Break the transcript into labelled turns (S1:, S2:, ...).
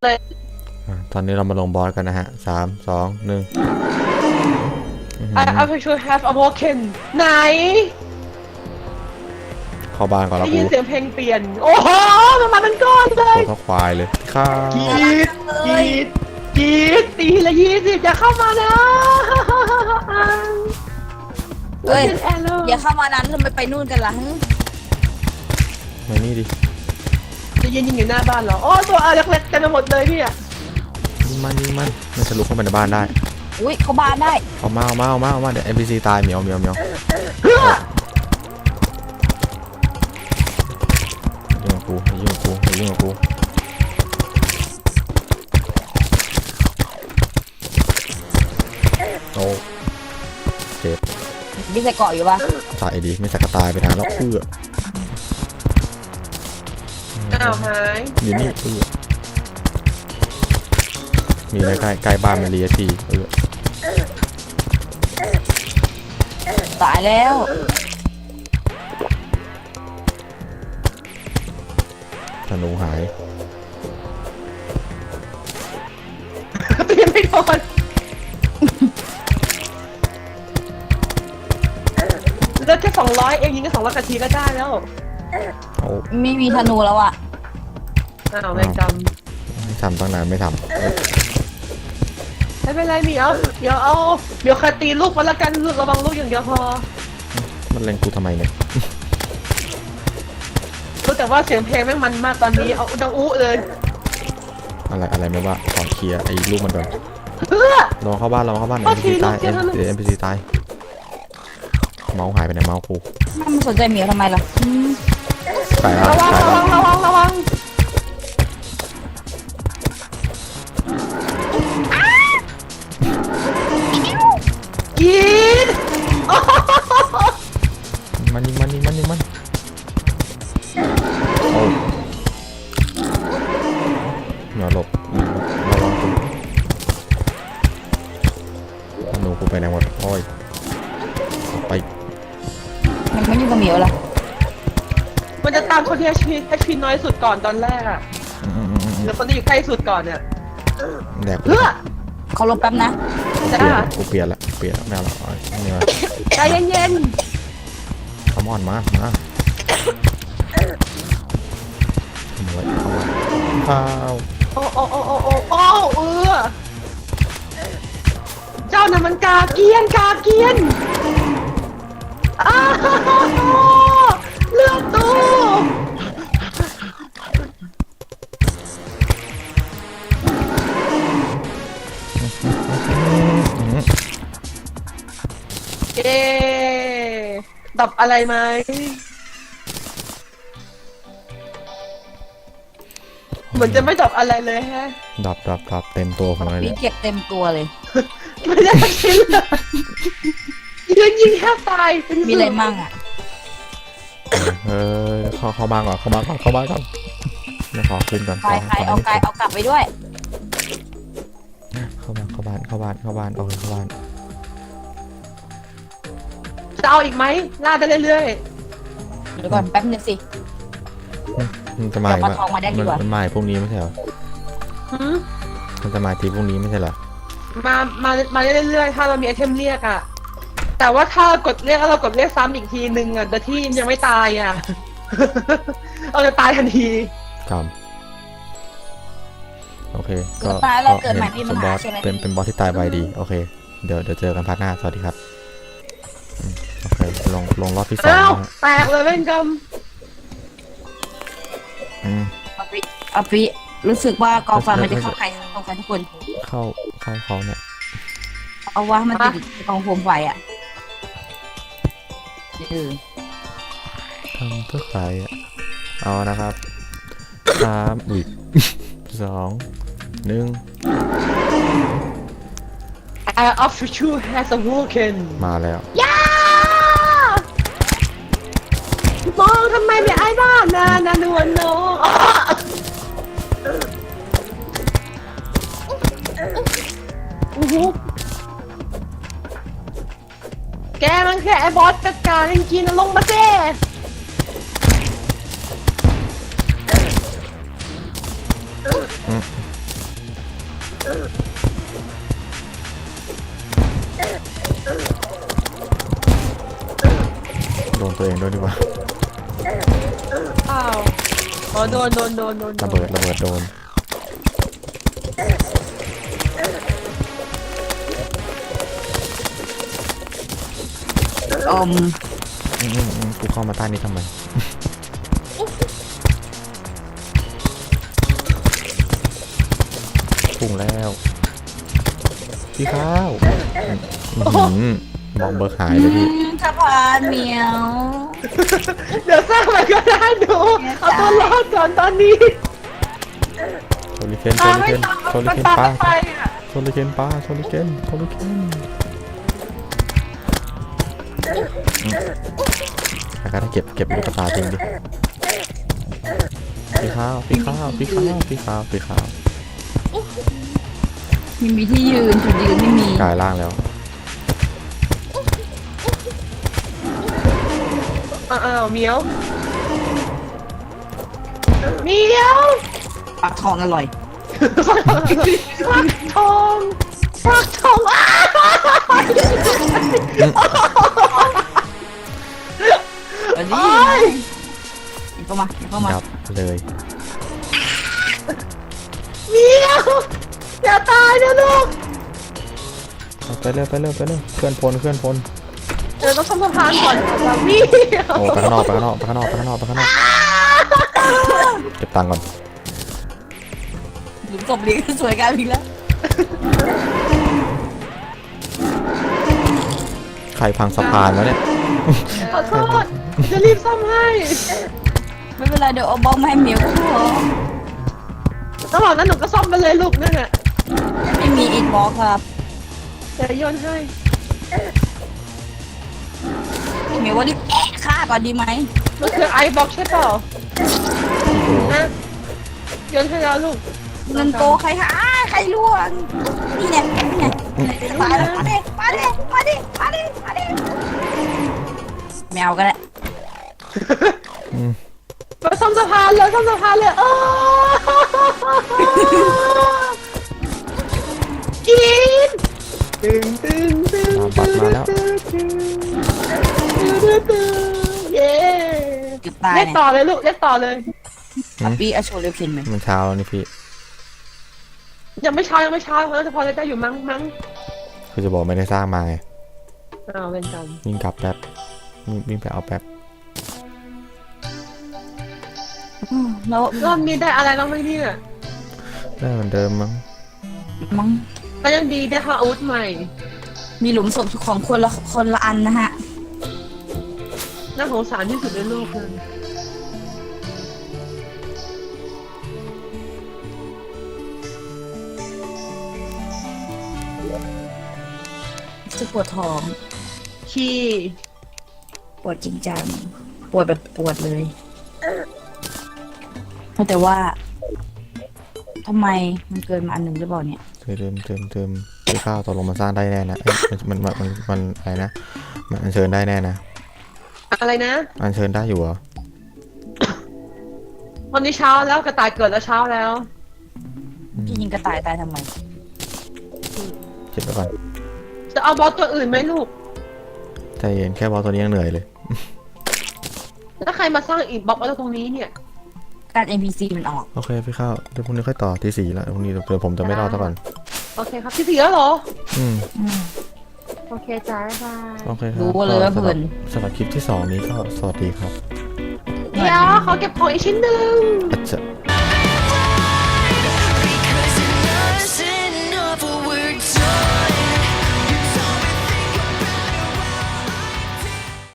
S1: ตอนนี้เรามาลงบอสกันนะฮะ3 2 1
S2: I actually have a broken ไหน
S1: เข้าบ้านก่อนแล้ว
S2: ได้
S1: กู
S2: ยินเสียงเพลงเปลี่ยนโอ้โหมันมาเป็นก้อนเลย
S1: ตัวเท่าควายเลยข้าก
S2: รีดกรีดกรีดตีละ20อย่าเข้ามานะ
S3: เฮ้ย
S2: แอนเล
S3: อย่าเข้ามานั้นทำไมไปนู่นกันล่ะ
S1: มานี่ดิ
S2: จะยิงอยู่หน้าบ้านเหรอโอ้ตัวเล็กๆเต็มไปหมดเลยพี่อะ
S1: ยิงมันมันจะลุกเข้าไปในบ้านได้
S3: อุ้ยเขาบานได้
S1: เอามาเดี๋ยว NPC ตายเหมียว
S2: เฮ้ย
S1: ยุ่งกับกูโอ้เจ็บ
S3: มีใส่เกาะอยู่ปะ
S1: ตายดีไม่สักกระตายไปทางแล้วเพื่อ
S2: อ้าวหาย
S1: อยู่นี่เพื่อมีอะไรใกล้บ้านมันเลียที
S3: ตายแล้ว
S1: ธนูหาย
S2: ตีไม่โดนเลือดแค่200เองยิงแค่200 นาทีก็ได้แล้ว
S1: เอา
S3: ไม่มีธนูแล้วอ่ะ
S2: อ้าวแม่งจ
S1: ไม่ทำตั้งนานไม่ท
S2: ำไม่เป็นไรเหมียวเดี๋ยวคาตีลูกมาละกันลูกระวังลูกอย่างเดียวพอ
S1: ำมันเล็งกูทำไมเนี่ย
S2: รู้แต่ว่าเสียงเพลงแม่งมันมากตอนนี้เอาดังอู้เลย
S1: อะไรไม่ว่าขอเคลียร์ไอ้ลูกมันก่อน
S2: เพื่อ
S1: ลองเข้าบ้าน NPC ตาย NPC ตายเมาส์หายไปไหนเมาส์กู
S3: มันสนใจเหมียวทำไมล่ะ
S1: ใส่แล้ว
S2: ระวังกิน
S1: มันโอ้เหนียวหลบระวังกูธนูกูไปไหนหมดโอ้ยไป
S3: มันไม่อยู่กับเหมียวล่ะ
S2: มันจะตามคนที่ HP น้อยสุดก่อนตอนแรกอะแล้วคนที่อยู่ใกล้สุดก่อนเนี่ย
S1: แดก
S2: เพื่อ
S3: เขาลบแป๊บนะ
S1: กูเปลี่ยนละไม่เอาละนี่มา
S2: ใจเย็น
S1: ขมอนมาขโมยข้าว
S2: ๆโอ้เจ้าน่ะมันกาเกียนอ้าวเลือดตู้เอ๊ดับอะไรไหมเหมือนจะไม่ดับอะไรเลยฮะ
S1: ดับเต็มตัวผมเลย
S3: ปี
S1: เนี่ย
S3: เก็บเต็มตัวเลย
S2: ไม่ได้สักชิ้นเลยยิงแค่ตายเป็น
S3: มีอะไรมั่งอ่ะ
S1: เข้าบ้านก่อนไม่ขอขึ้นก่อน
S3: ใครเอาไก่เอากลับไปด้วย
S1: เข้าบ้านโอเคเข้าบ้าน
S2: จะเอาอีกไหมล่าได้เรื่อย
S3: เดี๋ยวก่อนแป๊บนึงสิ
S1: มันจะมา
S3: เดี๋ยวปลาทองมาได้ดีกว่า
S1: มันมาพวกนี้ไม่ใช่เหรอ
S2: ๆหืม
S1: มันจะมาทีพวกนี้ไม่ใช่เหรอ
S2: มาได้เรื่อยๆถ้าเรามีไอเทมเรียกอะแต่ว่าถ้ากดเรียกแล้วเรากดเรียกซ้ำอีกทีนึงอะโดยที่ยังไม่ตายอะ เราจะตายทันที
S1: ครับโอเค
S3: เกิดมาเราเกิดใหม่ไม่มีปัญหาใช่ไหม
S1: เป็นบอสที่ตายไวดีโอเคเดี๋ยวเจอกันพาร์ทหน้าสวัสดีครับโอเคลงรอบที่2
S2: อ้าว
S1: นะฮะ
S2: แตกเลยเว้นกรรม
S3: อภิรู้สึกว่ากองไฟมันจะเข้าใครกองไฟทุกคน
S1: เข้าเขาเนี่ย
S3: เอาว่ามันติดกองโคมไฟอ่ะ
S1: ทำเพื่อใครอ่ะเอานะครับ3 2 1
S2: I of you has awoken
S1: มาแล้ว
S2: ย่ามองทำไมไม่ไอ้บ้านนวลน้องแกมันแค่ไอ้บอสจัดการจริงๆนะลงมาเจ้
S1: นตัวเองด้วยดีกว่า
S2: อ้าวอ๋อโดน
S1: ระเบิดโดน กูเข้ามาใต้นี้ทำไม พุ่งแล้วพี่ข้าวมองเบอร์หายเลยพี่
S3: สะพานเหมียว
S2: เดี๋ยวสร้างมันก็ได้ดูเอาตัวรอดก่อนตอนนี้
S1: โซลิเคน
S2: ตามไม่ตาม
S1: โซลิ
S2: มัน
S1: เคน
S2: ตาม
S1: ปลา
S2: ไม่ไปอ่ะ
S1: โซลิเคนปลาโซลิเคนแล้วก็ได้เก็บลูกตาจริงดิพี่ข้าว
S3: ไม่มีที่ยืนจุดยืนไม่มี
S1: กลายร่างแล้ว
S2: อ้าวเหมียวเหมียว
S3: ปลาทองอร่อย
S2: ฟักทองอ้าว
S3: อันนี้เข้ามา
S1: ดับเลย
S2: เหมียวอย่าตายนะลูก
S1: ไปเร็วเพื่อนพล
S2: เดี๋ยวต้องทำสะพานก่อนค่ะเหมียว
S1: โอ้ไปข้างนอกเก็บตังค์ก่อน
S3: หลุมศพนี้ก็สวยงามอีกแล้ว
S1: ใครพังสะพานวะเนี่ย
S2: ขอโทษจะรีบซ่อมให้
S3: ไม่เป็นไรเดี๋ยวเอาบอมมาให้เหมียวก็พอ
S2: ระหว่างนั้นหนูก็ซ่อมไปเลยลูกนั่นแหละ
S3: ไม่มีอินบ็อกครับ
S2: เดี๋ยวโยนให้
S3: เหมียวว่ารีบฆ่าก่อนดีไหม
S2: มันคือไอบ็อกใช่เปล่านะโยนให้แล้วลูก
S3: เงินโตใครคะใครล่วงนี่เนี่ยมาดิแมวก็ได้
S2: มาซ่อมสะพานเลยกินตึง
S1: บัตรมาแล้ว
S2: เย้
S3: เกือบตาย
S2: เรียก
S3: เนี่ย
S2: ต่อเลยลูกเรียกต่อเลย
S3: ปีอาโชเรียวเคนไหม
S1: มันเช้าแล้วนี่พี่
S2: ยังไม่เช้าเขาจะพอได้อยู่มั้ง
S1: คือจะบอกไม่ได้สร้างมาไง
S2: อ้าวเป็นกรรม
S1: วิ่งกลับแป๊บวิ่งไปเอาแป๊บ
S3: แล้ว
S2: รอบนี้ได้อะไรบ้างไหมเนี่ย
S1: ได้เหมือนเดิมมั้ง
S3: มั้ง
S2: ก็ยังดีได้ค่ะอาวุธใหม่
S3: มีหลุมศพของคนละอันนะฮะ
S2: น่าสงสารที่สุดในโลกเลย
S3: จะปวดท้อง
S2: ขี้
S3: ปวดจริงจังปวดแบบปวดเลยแต่ว่าทำไมมันเกินมาอันหนึ่งหรือเปล่าเนี่ย
S1: เติมพี่ข้าวตกลงมาสร้างได้แน่นะมันอะไรนะมันอัญเชิญได้แน่นะ
S2: อะไรนะ
S1: อัญเชิญได้อยู่เหรอ
S2: วันนี้เช้าแล้วกระต่ายเกิดแล้วเช้าแล้ว
S3: พี่ยิงกระต่ายตายทำไม
S1: เก็บไว้ก่อน
S2: จะเอาบอสตัวอื่นไหมลูก
S1: ใจเย็นแค่บอสตัวนี้ยังเหนื่อยเลย
S2: แล้วใครมาสร้างอีกบล็อกไว้ตรงนี้เนี่ย
S3: การ NPC มันออก
S1: โอเคพี่ข้าวเดี๋ยวพรุ่งนี้ค่อยต่อที่4แล้วพรุ่งนี้เดี๋ยวผมจะไม่รอดซะก่อน
S2: โอเคครับที่สี่แล้วเหรอ โอเคจ้าบ๊ายบาย
S1: โอเคครับ
S3: รู้เลยว่า
S1: ก็
S3: เพลิน
S1: สำหรับคลิปที่2นี้ก็สวัสดีครับ
S2: เดี๋ยวขอเก็บของอีกชิ้นหนึ่ง
S1: อาจจะ